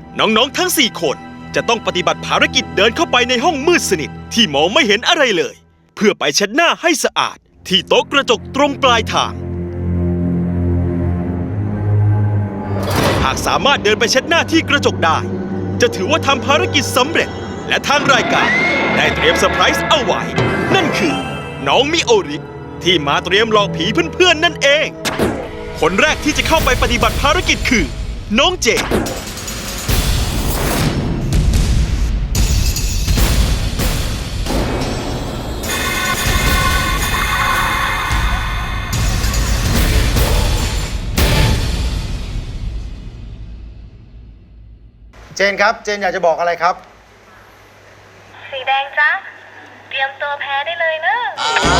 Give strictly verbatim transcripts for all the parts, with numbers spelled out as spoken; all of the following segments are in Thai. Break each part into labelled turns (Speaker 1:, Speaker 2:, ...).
Speaker 1: น้องๆทั้งสี่คนจะต้องปฏิบัติภารกิจเดินเข้าไปในห้องมืดสนิทที่มองไม่เห็นอะไรเลยเพื่อไปเช็ดหน้าให้สะอาดที่โต๊ะกระจกตรงปลายทางหากสามารถเดินไปเช็ดหน้าที่กระจกได้จะถือว่าทำภารกิจสำเร็จและทางรายการได้เตรียมเซอร์ไพรส์เอาไว้นั่นคือน้องมิโอริที่มาเตรียมหลอกผีเพื่อนๆนั่นเองคนแรกที่จะเข้าไปปฏิบัติภารกิจคือน้องเจน
Speaker 2: เจนครับเจนอยากจะบอกอะไรครับ
Speaker 3: สีแดงจ้ะเตรียมตัวแพ้ได้เลยเนอะ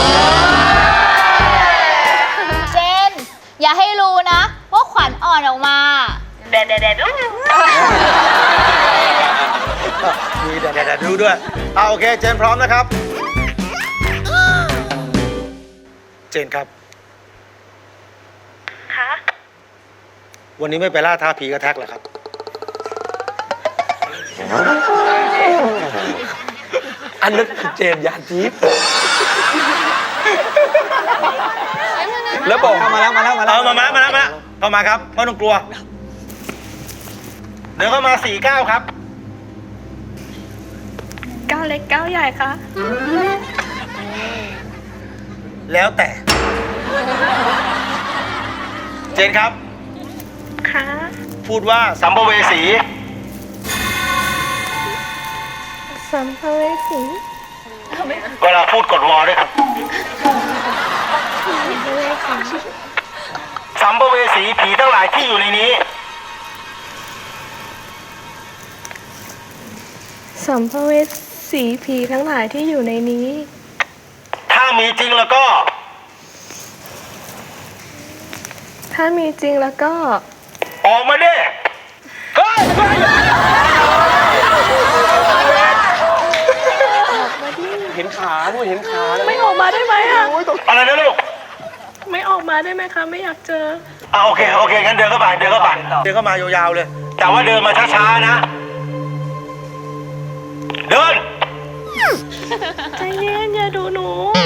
Speaker 4: เจนอย่าให้รู้นะว่าขวัญอ่อนออกมา
Speaker 3: แดดแดดแดดดู
Speaker 2: มีแดดแดดดูด้วยเอาโอเคเจนพร้อมนะครับเจนครับ
Speaker 3: คะ
Speaker 2: วันนี้ไม่ไปล่าท้าผีกระแทกเหรอครับ
Speaker 5: อันนั้นคือเจนยานทิพย์แล้วบอกมาแล้วมาแล้วมาแล้ว
Speaker 2: เอามามามาแล้วมาเข้ามาครับไม่ต้องกลัวเดินเข้ามาสี่เก้าครับ
Speaker 3: ก้าวเล็กก้าวใหญ่ค่ะ
Speaker 2: แล้วแต่เจนครับ
Speaker 3: ค่ะ
Speaker 2: พูดว่าสัมภเวสี
Speaker 3: สัมภเวสี
Speaker 2: เวลาพูดกดวอด้วยครับสัมภเวสีผีทั้งหลายที่อยู่ในนี้
Speaker 3: สัมภเวสีผีทั้งหลายที่อยู่ในนี้
Speaker 2: ถ้ามีจริงแล้วก็
Speaker 3: ถ้ามีจริงแล้วก็
Speaker 2: ออกมาดิเฮ้ย
Speaker 5: เห็นขาด้วยเห็นขา
Speaker 3: ไม่ออกมาได้ไหมอะ
Speaker 2: อะไรนะลูก
Speaker 3: ไม่ออกมาได้ไหมคะไม่อยากเจอ
Speaker 2: อ่ะโอเคโอเคงั้นเดินเข้าไปเดินเข้าไปเดินเข้ามายาวๆเลยแต่ว่าเดินมาช้าๆนะเดิน
Speaker 3: ใจเย็นอย่าดูหนู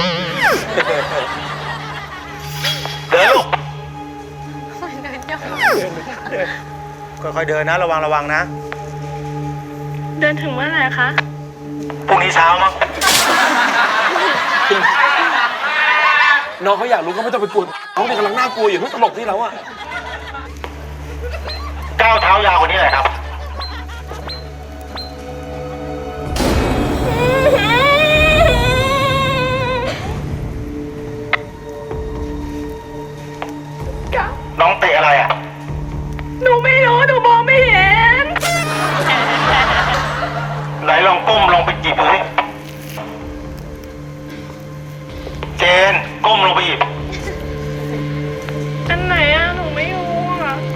Speaker 2: เดินลูกค่อยๆเดินนะระวังระวังนะ
Speaker 3: เดินถึงเมื่อไหร่คะ
Speaker 2: พรุ่งนี้เช้ามั้ง
Speaker 5: น้องเขาอยากรู้ก็ไม่ต้องไปกลัวน้องเด็กกำลังน่ากลัวอยู่ทุกตลกที่เราอะ
Speaker 2: ก้าวเท้ายาวกว่านี้หน่อยครับน้องเตะอะไรอ่ะ
Speaker 3: หนูไม่รู้หนูมองไม่เห็น
Speaker 2: ไหนลองก้มลองไปจีบดูสิเจนก้มลงไปหยิบ
Speaker 3: อันไหนอ่ะหนูไม่รู้อ่ะ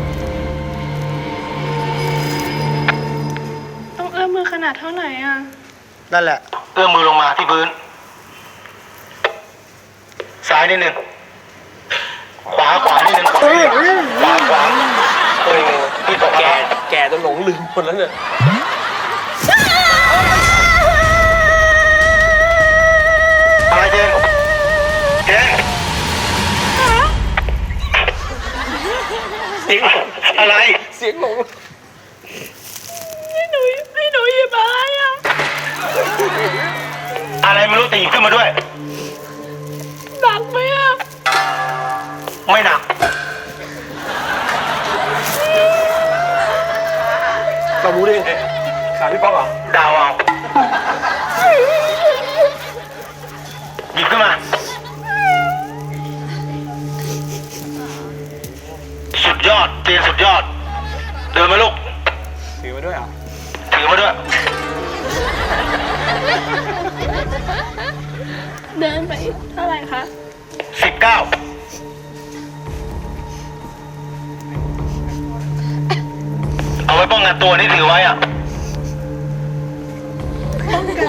Speaker 3: ต้องเอื้อมมือขนาดเท่าไหร่อ่ะ
Speaker 2: นั่นแหละเอื้อมมือลงมาที่พื้นซ้ายนิดหนึ่งขวาขวานิดหนึ่งขวาขวาขวาโอ้พี่ตกแก่
Speaker 5: แก่จนหลงลืมคนแล้วเนี่ย
Speaker 2: อะไรเจนเจนเสียงอะไร
Speaker 5: เสียงหลง
Speaker 3: ให้หนูให้หนูหยิบอะไรอ่ะ
Speaker 2: อะไรไม่รู้แต่หยิบขึ้นมาด้วย
Speaker 3: หนักไหมอ่ะ
Speaker 2: ไม่หนัก
Speaker 5: เรารู้ได้ไงขาพี่ป๊อกเหรอ
Speaker 2: ดาวเอาหยิบขึ้นมาสุดยอดเตียนสุดยอดเดินมาลูก
Speaker 5: ถือมาด้วยอ่ะ
Speaker 2: ถือมาด้วย
Speaker 3: เดินไปเท่าไหร่คะ
Speaker 2: สิบเก้าเอาไว้ป้องกันตัวนี่ถือไว้อ่ะ
Speaker 3: ป้องกัน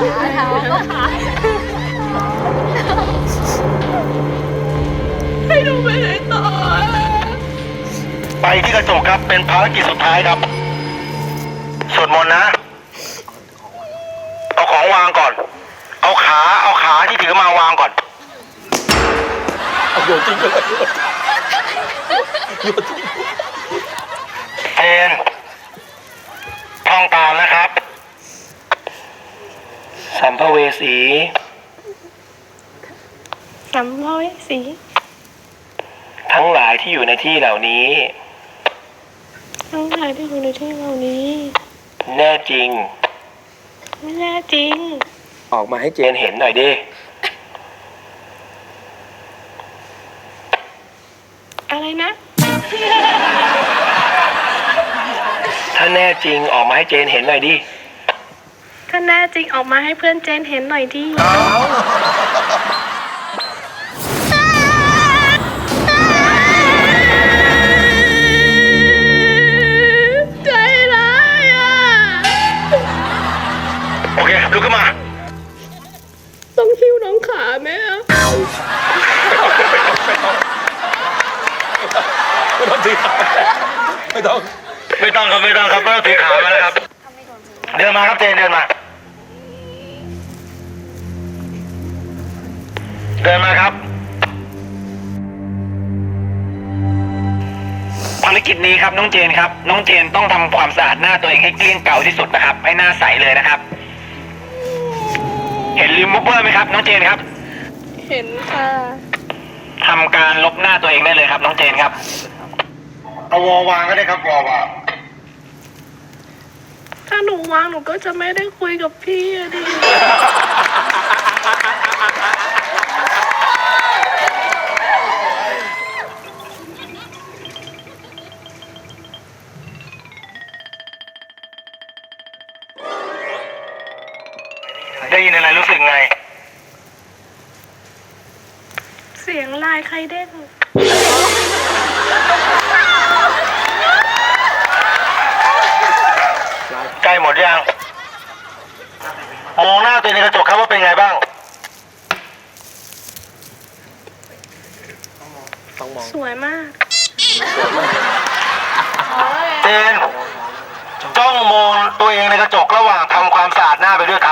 Speaker 3: ให้ดูไปไหนต่อ
Speaker 2: ไปที่กระจกครับเป็นภารกิจสุดท้ายครับสวดมนต์นะ เอาของวางก่อน เอาขา เอาขาที่ถือมาวางก่อน
Speaker 5: เอาโยนทิ้งไปเลยโยนทิ้ง
Speaker 2: เจนท่องตามนะครับ สัมภเวสี
Speaker 6: สัมภเวสี
Speaker 2: ทั้งหลายที่อยู่ในที่เหล่านี้
Speaker 6: ทั้งหลายที่อยู่ในที่เหล่านี้
Speaker 2: แน่จริง
Speaker 6: ไม่แน่จริง
Speaker 5: ออกมาให้เจ
Speaker 2: เจ
Speaker 5: น
Speaker 2: นเห็นหน่อยดิ
Speaker 6: อะไรนะ
Speaker 2: ถ้าแน่จริงออกมาให้เจนเห็นหน่อยดิ
Speaker 6: ถ้าแน่จริงออกมาให้เพื่อนเจนเห็นหน่อยดิ ใจร้ายอ่ะ
Speaker 2: โอเคลุกขึ้นมา
Speaker 6: ต้องคิ้วน้องขาไหมอ่ะ
Speaker 5: ไม่ต้องถือขาไม่ต้อง
Speaker 2: ไม่ต้องครับไม่ต้องครับไม่ต้องถือขามาแล้วครับ เดินมาครับเจนเดินมา เดินมาครับ ภารกิจนี้ครับน้องเจนครับ น้องเจนต้องทำความสะอาดหน้าตัวเองให้เกลี้ยงเก่าที่สุดนะครับ ให้หน้าใสเลยนะครับ เห็นรีมูฟเวอร์ไหมครับ น้องเจนครับ
Speaker 6: เห็นค่ะ
Speaker 2: ทำการลบหน้าตัวเองได้เลยครับน้องเจนครับ เอาวอวางก็ได้ครับวอวาง
Speaker 6: ถ้าหนูวางหนูก็จะไม่ได้คุยกับพี่อะดิ
Speaker 2: ได้ยินอะไรรู้สึกไง
Speaker 6: เสียงลายใครเด้ง
Speaker 2: ใกล้หมดยัง มองหน้าตัวเองในกระจกครับว่าเป็นไงบ้าง
Speaker 6: สวยมาก
Speaker 2: เจนจ้องมองตัวเองในกระจกระหว่างทำความสะอาดหน้าไปด้วยครับ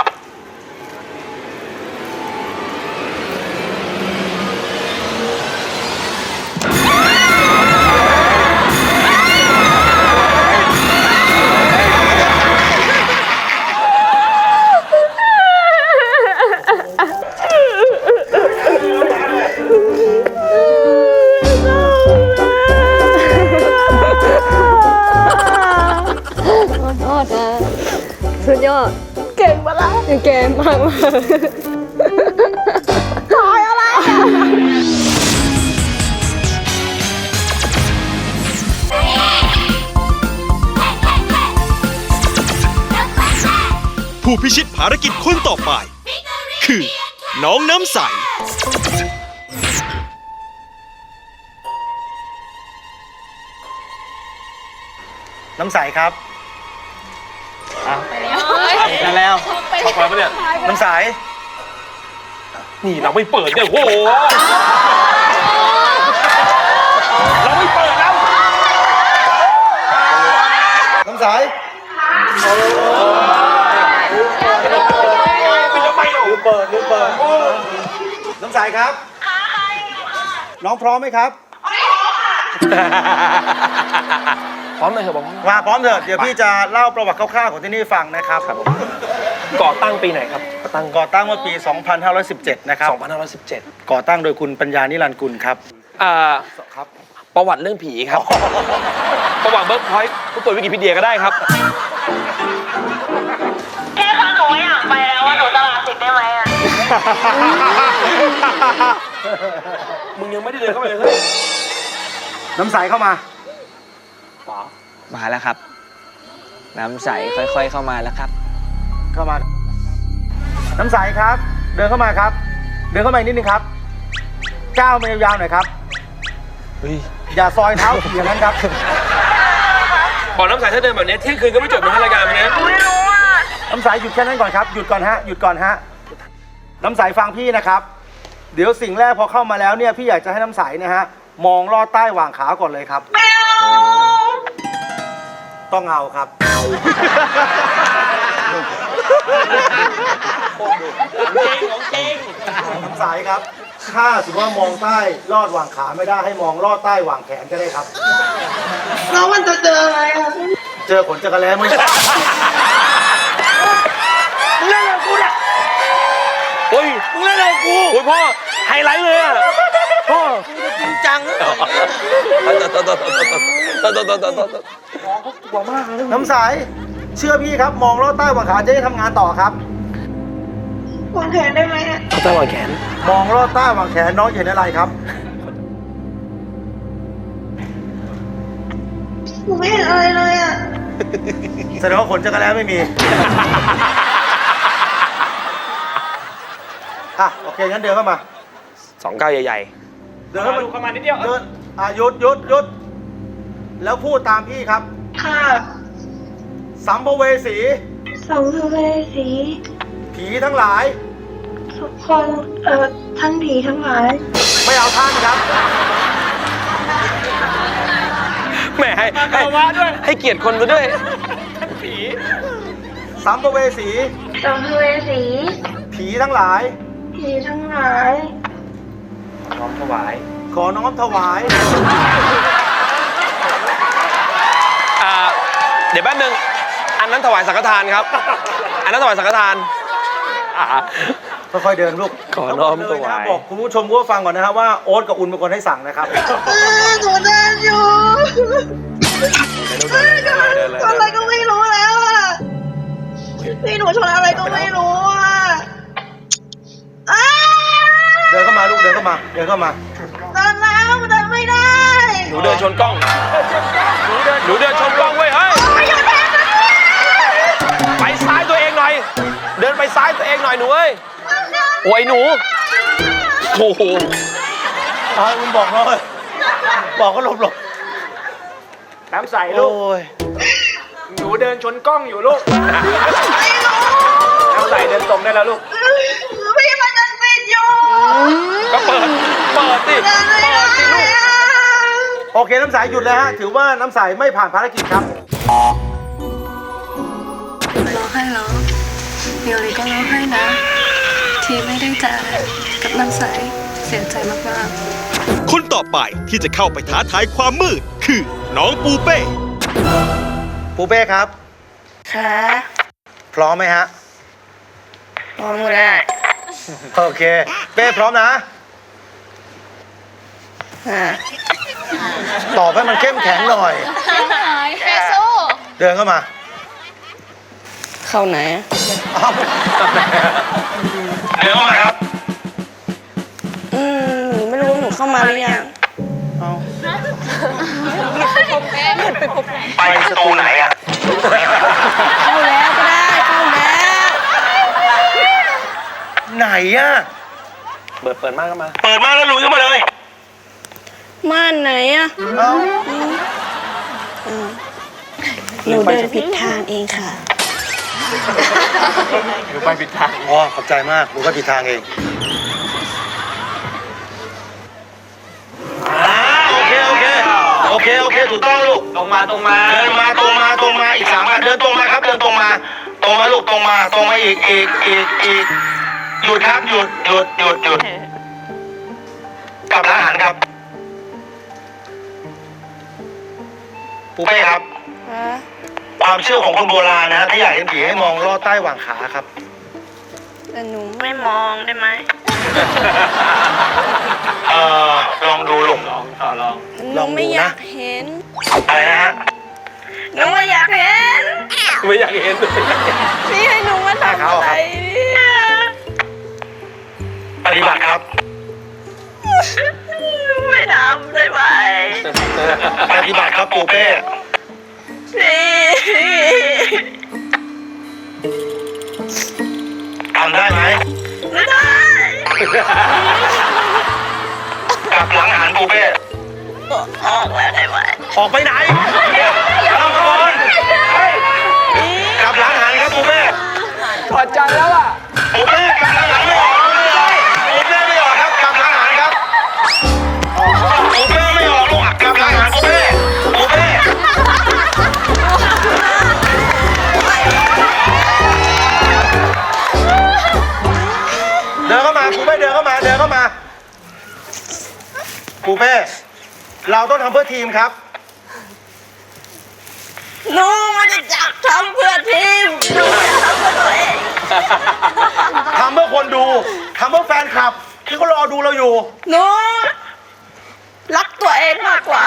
Speaker 6: สุดยอด เก่งปะล่ะเก่งมากมากถอยอะไรอ่ะ
Speaker 1: ผู้พิชิตภารกิจคนต่อไป คือน้องน้ำใส
Speaker 2: น้ำใสครับ
Speaker 5: กันแล้วเข้าไปปะเนี่ย
Speaker 2: น้ำใส
Speaker 5: นี่เราไม่เปิดเนี่ยโอ้โหเราไม่เปิดแล้ว
Speaker 2: น้ำใส
Speaker 5: เป็นทำไมหนู
Speaker 2: ลืมเปิดลืมเปิด น้ำใสครับ น้องพร้อมไหมครับ
Speaker 5: พร้อมเลยเหรอบอก
Speaker 2: มาพร้อมเถอะเดี๋ยวพี่จะเล่าประวัติคร่าวๆของที่นี่ฟังนะครับ
Speaker 5: ก่อตั้งปีไหนครับก่อตั้ง
Speaker 2: ก่อตั้งเมื่อปี สองพันห้าร้อยสิบเจ็ด นะครับ
Speaker 5: สองพันห้าร้อยสิบเจ็ด
Speaker 2: ก่อตั้งโดยคุณปัญญานิรันดร์กุลครับ
Speaker 5: อ่า
Speaker 2: ครับ
Speaker 5: ประวัติเรื่องผีครับ ประวัติเบิร์กพอยต์ผู้ตรวจวิกิพีเดียก็ได้ครับ
Speaker 3: แค่คะหนูอยากไปแล้วว่าหนูจะลาสิทธิ์ได้ไหมอ่ะ
Speaker 5: มึงยังไม่ได้เดินเข้าไปเลยเฮ้ย
Speaker 2: น้ำใสเข้ามา
Speaker 7: มาแล้วครับ น้ำใสค่อยๆเข้ามาแล้วครับ
Speaker 2: เข้ามา น้ำใสครับ เดินเข้ามาครับ เดินเข้ามาอีกนิดนึงครับ ก้าวมายาวๆหน่อยครับ
Speaker 5: เฮ้ย
Speaker 2: อย่าซอยเท้าอย่างนั้นครับ
Speaker 5: บอกน้ำใสถ้าเดินแบบนี้เที่ยงคืนก็ไม่จบนะรายการมันเนี้ย
Speaker 3: ไม่รู้อ่ะ
Speaker 2: น้ำใสหยุดแค่นั้นก่อนครับ หยุดก่อนฮะ หยุดก่อนฮะ น้ำใสฟังพี่นะครับ เดี๋ยวสิ่งแรกพอเข้ามาแล้วเนี่ยพี่อยากจะให้น้ำใสเนะฮะ มองลอดใต้หว่างขาก่อนเลยครับ
Speaker 3: ไม่เอา
Speaker 2: ต้องเอาครับ
Speaker 5: ของจริง
Speaker 2: น้ำใสครับ ถ้าสมมติว่ามองใต้ลอดหว่างขาไม่ได้ให้มองลอดใต้หว่างแขนก็ได้ครับ
Speaker 6: แล้วมันจะเจออะไรอ่ะ
Speaker 2: เจอขนจักรแล้มึง
Speaker 5: มึงเล่นกับกูเนี่ยโอ้ยมึงเล่นกับกูโอ้ยพ่อไฮไลท์เลยอ่ะพ่อจริงจังต่อต่อต่อต่อต่อต่อ
Speaker 2: น้ำใสเชื่อพี่ครับ มองลอดใต้หว่างขาจะได้ทำงานต่อครับ
Speaker 6: วางแผนได้ไหมอ่ะ
Speaker 5: เขาตะวันแขน
Speaker 2: มองลอดใต้หว่างแขนน้องเห็นอะไรครับ
Speaker 6: หนูไม่เห็นอะไรเลยอ่ะ
Speaker 2: แสดงว่าขนจักรแล้ไม่มี อ่ะโอเคงั้นเดินเข้ามา
Speaker 5: สองก้าวใหญ่
Speaker 2: เดินเข้ามาเข้ามานิดเดียวเดินอ่ะหยุดหยุดหยุดแล้วพูดตามพี่ครับ
Speaker 6: ค่ะ
Speaker 2: สัมภเวสี
Speaker 6: สัมภเวสี
Speaker 2: ผีทั้งหลาย
Speaker 6: ทุกคนเอ่อท่านผีทั้งหลาย
Speaker 2: ไม่เอาท่านครับ
Speaker 5: ๆแหมให้ให้ให้เกียรติคนไปด้วยผี
Speaker 2: สัมภเวสี
Speaker 6: สัมภเวสี
Speaker 2: ผีทั้งหลาย
Speaker 6: ผีทั้งหลาย
Speaker 5: น้อมถวาย
Speaker 2: ขอน้อมถวาย
Speaker 5: อ่าเดี๋ยวแป๊บนึงอันนั้นถวายสังฆทานครับ อันนั้นถวายสังฆทานอ่า
Speaker 2: ค่อยๆเดินลูก
Speaker 5: ขอน้อมถวาย
Speaker 2: แล้วก็เลยนะบอกคุณผู้ชมผู้ฟังก่อนนะครับว่าโอ๊ตกับอุ่นเป็นคนให้สั่งนะครับ
Speaker 6: หนูเดินอยู่ชนอะไรก็ไม่รู้แล้วอ่ะพี่หนูชนอะไรก็ไม่รู้อ่ะอ้า
Speaker 2: เดินเข้ามาลูกเดินเข้ามาเดินเข้ามา
Speaker 6: เดินแล้วเดินไม่ได้
Speaker 5: หนูเดินชนกล้องหนูเดินหนูเดินชนกล้องเว้ยเฮ้ย
Speaker 6: ไม่หยุดแทนนะ
Speaker 5: ไปซ้ายตัวเองหน่อย เดินไปซ้ายตัวเองหน่อยหนูเอ้ยโอ้ยหนูโอ้โห
Speaker 2: เอาอุ่นบอกน้อยบอกก็หลบหลบ
Speaker 7: น้ำใสลูก หนูเดินชนกล้องอยู่ลูก น้ำใสเดินตรงได้แล้วลูก
Speaker 6: พี่มันยังปิดอยู่
Speaker 5: ก็เปิด เปิดสิ
Speaker 6: เดินไม่ได้อะ
Speaker 2: โอเคน้ำใสหยุดเลยฮะถือว่าน้ำใสไม่ผ่านภารกิจครับ
Speaker 8: ร้องไห้แล้วเดี๋ยวลีก็ร้องไห้นะ ที่ไม่ได้เจอกับน้ำใสเสียใจมากๆ
Speaker 1: คนต่อไปที่จะเข้าไปท้าทายความมืด คือน้องปูเป้
Speaker 2: ปูเป้ครับ
Speaker 6: ค่ะ
Speaker 2: พร้อมไหมฮะ
Speaker 6: พร้อมก็ได้
Speaker 2: โอเค เป้พร้อมนะ
Speaker 6: ค่ะ
Speaker 2: ตอบให้มันเข้มแข็งหน่อย
Speaker 4: เฟซู
Speaker 2: เดินเข้ามา
Speaker 6: เข้าไหนอะ
Speaker 2: อ้าวเดินเข้ามาครับ
Speaker 6: อืมหนูไม่รู้ว่าหนูเข้ามาหรือยัง
Speaker 2: ไปสตูไหนอ่ะ
Speaker 6: เข้าแล้วก็ได้เข้าแล้ว
Speaker 2: ไหนอ่ะ
Speaker 5: เปิด เปิดมากก็มา
Speaker 2: เปิดมาแล้วลุยเข้ามาเลย
Speaker 6: ม่านไหนอะ
Speaker 2: เอ้า
Speaker 6: หนูเดินผิดทางเองค่ะ
Speaker 5: หนูไปผิดทาง
Speaker 2: อ๋อขอบใจมากดูก็ผิดทางเองอ่าโอเค โอเค โอเค โอเค ถูกต้องลูก
Speaker 5: ตรงมาตรงมา
Speaker 2: เดินมาตรงมาตรงมาอีกสามอันเดินตรงมาครับ เดินตรงมา ตรงมาลูกตรงมา ตรงมาอีกอีกอีกอีกหยุดครับ หยุดหยุดหยุดหยุดกลับร้านอาหารครับปูเป้ครับ ความเชื่อของคนโบราณนะฮะที่อยากเห็นผีให้มองลอดใต้หว่างขาครับ
Speaker 6: แต่หนูไม่มองได้ไหม
Speaker 2: เอ่อลองดูลูก
Speaker 6: หนูไม่อยากเห็น
Speaker 2: อะไรนะฮะ
Speaker 6: หนูไม่อยากเห็น
Speaker 5: ไม่อยากเห็น
Speaker 6: พี่ให้หนูมาทำอะไรเนี่ย
Speaker 2: ปฏิบัติครับ
Speaker 6: ไม่ทำได้ไหม
Speaker 2: ปฏิบัติครับปูเป้
Speaker 6: พี่
Speaker 2: ทำได้ไหม
Speaker 6: ไม่ได้
Speaker 2: กลับหลังอาหารปูเป้
Speaker 6: ออกแล้วได้ไหม
Speaker 2: ออกไปไหนเอามาก่อนกลับหลังอาหารครับปูเป้
Speaker 5: ถอดใจแล้วอ่ะ
Speaker 2: ปูเป้กลับหลังอาหารไม่ออกปูเป้ไม่ออกครับกลับหลังอาหารครับปูเป้ไม่ออกลูกกลับหลังอาหารปูเป้ปูเป้เข้ามาปูเป้เราต้องทำเพื่อทีมครับ
Speaker 6: หนูมันจะจับทำเพื่อทีมหนูไม่ทำเพื่อตัวเอง
Speaker 2: ทำเพื่อคนดูทำเพื่อแฟนคลับที่เขารอดูเราอยู่
Speaker 6: หนูรักตัวเองมากกว่า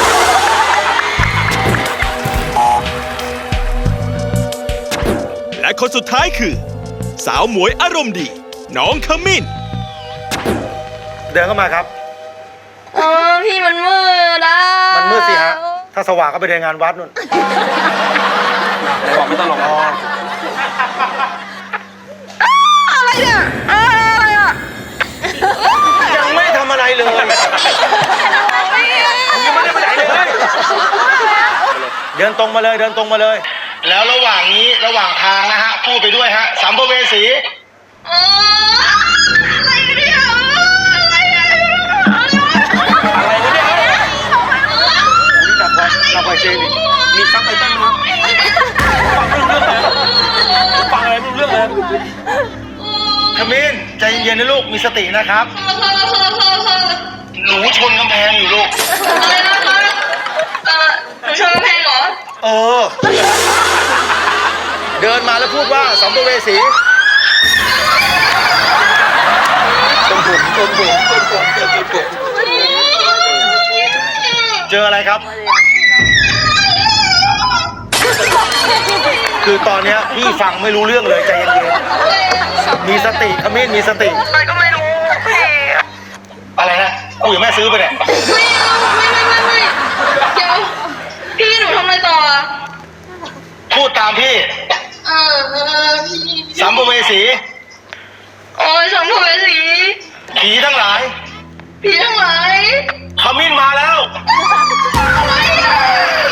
Speaker 1: และคนสุดท้ายคือ สาวหมวยอารมณ์ดี น้องขมิ้น
Speaker 2: เดินเข้ามาครับ
Speaker 6: เออพี่มันมืดอ่ะ
Speaker 2: มันมืดสิฮะ ถ้าสว่างก็ไปเดินงานวัดนู่น
Speaker 5: ไหนบอกไม่ต้องลง
Speaker 6: อะไรเนี่ยอะไรอ่ะ
Speaker 2: ยังไม่ทำอะไรเลยยังไม่ได้ไปไหนเลย เดินตรงมาเลย เดินตรงมาเลย แล้วระหว่างนี้ระหว่างทางนะฮะ พูดไปด้วยฮะสัมภเวสี
Speaker 6: เอออะไรกันเนี่ยอะไรอ่ะ
Speaker 5: อะไรวะเนี่ย
Speaker 2: นี่หนักกว่าหนักกว่าเจนอีก
Speaker 5: มีซับไตเติ้ลมั้ยฟังไม่รู้เรื่องเลยฟังอะไรไม่รู้เรื่องเลย
Speaker 2: ขมิ้นใจเย็นๆนะลูก มีสตินะครับ หนูชนกำแพงอยู่ลูก
Speaker 6: อะไรนะคะเออหนูชอบเพลงเหรอ
Speaker 2: เออ เดินมาแล้วพูดว่าสัมภเวสีตรงผมตรงผมตรงผมตรงผมเจออะไรครับ คือตอนเนี้ยพี่ฟังไม่รู้เรื่องเลยใจเย็นๆ มีสติขมิ้นมีสติ
Speaker 6: อะไรก็ไม่รู้เพลง
Speaker 2: อะไรนะกูยังแม่ซื้อไปเนี่ย
Speaker 6: ไม่ไม่ไม่ไม่ไม่เดี๋ยวพี่หนูทำอะไรต่ออ่ะ
Speaker 2: พูดตามพี่
Speaker 6: เออเออพี่
Speaker 2: สัมภเวสี
Speaker 6: โอ้ยสัมภเวสี
Speaker 2: ผีทั้งหลาย
Speaker 6: พี่ทั้งหลาย
Speaker 2: ขมิ้นมาแล้ว
Speaker 6: อะไรอ่ะ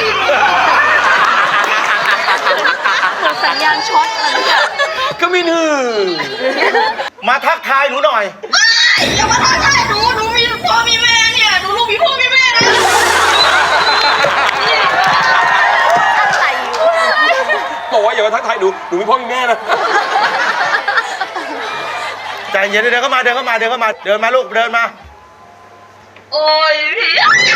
Speaker 4: สัญญาณช็อตอะไรเนี่ย
Speaker 5: ก็มีหนึ่ง
Speaker 2: มาทักทายหนูหน่อย
Speaker 6: อย่ามาทำอะไรหนูหนูมีพ่อมีแม่เนี่ยหนูลูกมีพ่อมีแม่นะ
Speaker 4: อะไรอยู่
Speaker 5: บอกว่าอย่ามาทักทายหนูหนูมีพ่อมีแม่นะ
Speaker 2: ใจเย็นๆเดินเข้ามาเดินเข้ามาเดินเข้ามาเดินมาลูกเดินมา
Speaker 6: โอ้ยพี่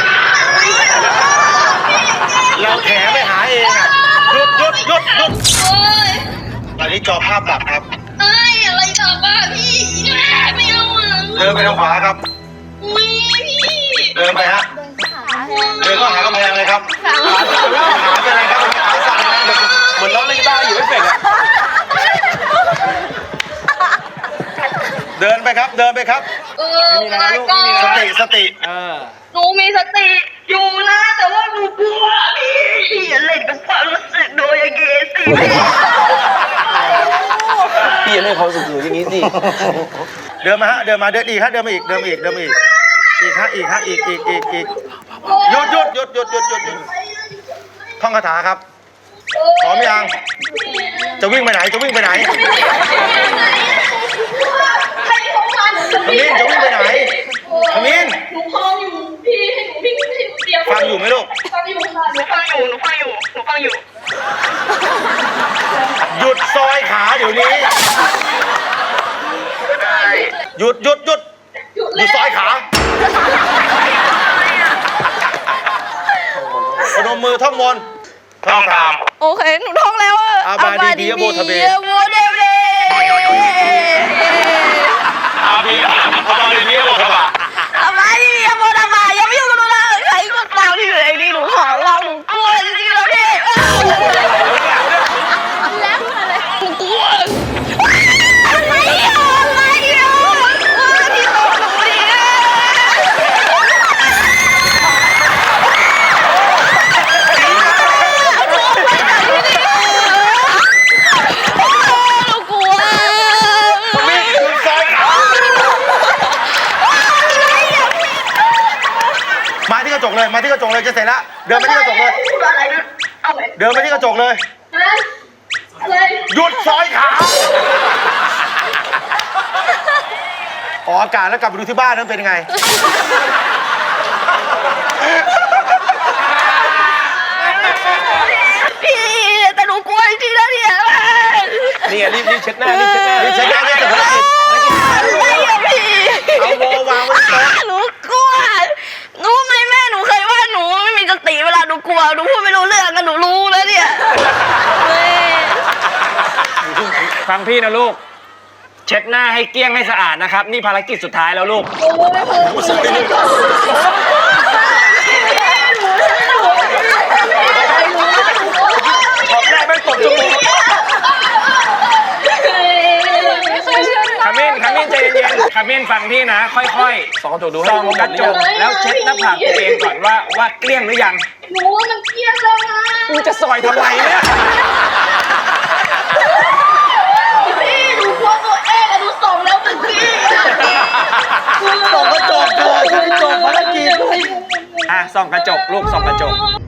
Speaker 2: เราแขไปหาเองอ่ะหยุดหยุดหยุดหยุด
Speaker 6: โอ้ย
Speaker 2: ตอนนี้จอภาพดับครับ
Speaker 6: เอ้ยอะไรกับบ้าพี่ไม่เอาอ่ะ
Speaker 2: เดินไปทางขวาครับ
Speaker 6: อุ้ยพี่
Speaker 2: เดินไปฮะเดินเข้าหากำแพงเลยครับขาขาเป็นอะไรครับขาสั่นนะ
Speaker 5: เหมือนน้องเล่นกีตาร์อยู่ไม่เป็นอะ
Speaker 2: เดินไปครับเดินไปครับ
Speaker 6: เออมาก่อน
Speaker 2: สติสติ
Speaker 5: เออ
Speaker 6: หนูมีสติอยู่นะแต่ว่าหนูกลัวพี่พี่อย่าเล่นกับความรู้สึกโดยอย่างงี้สิ
Speaker 5: พี่ยังไม่เขาสุดๆอย่างนี้สิ
Speaker 2: เดินมาฮะเดินมาเดินอีกฮะเดินมาอีกเดินมาอีกเดินมาอีกอีกฮะอีกฮะอีกอีกอีกอีกหยุดหยุดหยุดหยุดหยุดหยุดหยุดท่องคาถาครับพร้อมยังจะวิ่งไปไหนจะวิ่งไปไหน
Speaker 6: ใครของมัน
Speaker 2: ขมิ้นจะวิ่งไปไหนขมิ้น
Speaker 6: หนูฟังอยู่พี่ให้หนูวิ่งให้หนูเดียว
Speaker 2: ฟังอยู่ไหมลูก
Speaker 6: ฟังอยู่ค่ะหนูฟังอยู่หนูฟังอยู่หนูฟังอยู่
Speaker 2: หยุดซอยขาเดี๋ยวนี้หยุดหยุดหยุดหยุดซอยขาพนมมือท่องมนต์ท่องตาม
Speaker 6: โอเคหนูท่องแล้วอะ
Speaker 2: อาบาดีบียะโบทะเบ
Speaker 6: ยะโบเดเบ
Speaker 2: อาบีอาบาดีบียะโบทะบะ
Speaker 6: อาบาดีบียะโบทะบะยังไม่ยุ่งกับหนูนะใครก็ตามที่อยู่ในนี้หนูขอร้องหนูกลัวจริงๆแล้วพี่
Speaker 4: แล้วอะไร
Speaker 6: หนูกลัวอะไรอ่ะอะไรอ่ะพี่โตหนูดิ
Speaker 2: วิ่งหยุดซอยขามาที่กระจกเลยมาที่กระจกเลยจะเสร็จแล้วเดินมาที่กระจกเลย
Speaker 6: อะไรนะเอาไหม
Speaker 2: เดินมาที่กระจกเลย
Speaker 6: อะไร
Speaker 2: หยุดซอยขาออกอากาศแล้วกลับไปดูที่บ้านนั้นเป็นยังไง
Speaker 6: พี่แต่หนูกลัวจริงๆนะเนี่ย
Speaker 5: นี่ไงรีบรีบเช็ดหน้ารีบเช็ดหน้า
Speaker 2: รีบเช็ดหน้ารีบเช็ดหน้า
Speaker 6: ไม่อะพี่
Speaker 2: เอาโววางไว้ที่โต๊ะ
Speaker 6: หนูกลัวรู้ไหมแม่หนูเคยว่าหนูไม่มีสติเวลาหนูกลัวหนูพูดไม่รู้เรื่องกันหนูรู้แล้วเนี่ยแม่
Speaker 7: ฟังพี่นะลูก เช็ดหน้าให้เกลี้ยงให้สะอาดนะครับ นี่ภารกิจสุดท้ายแล้วลูก
Speaker 2: ขอบแรกไม่ตบจมูก
Speaker 7: ขมิ้นขมิ้นใจเย็นๆขมิ้นฟังพี่นะ ค่อยๆ
Speaker 5: ส่องกระจกดูให้
Speaker 7: ส่องกระจกแล้วเช็ดหน้าผากตัวเองก่อนว่าว่าเกลี้ยงหรือยัง
Speaker 6: หนูว่ามันเครียดแล้วนะ
Speaker 7: กูจะซอยทำไมเนี่ย
Speaker 6: พี่หนูกลัวตัวเองอะหนูส่งแล้วเมื่อกี้อะ
Speaker 2: ส่องกระจกเถอะจะได้จบภารกิจ
Speaker 7: อ่ะส่องกระจกลูกส่องกระจก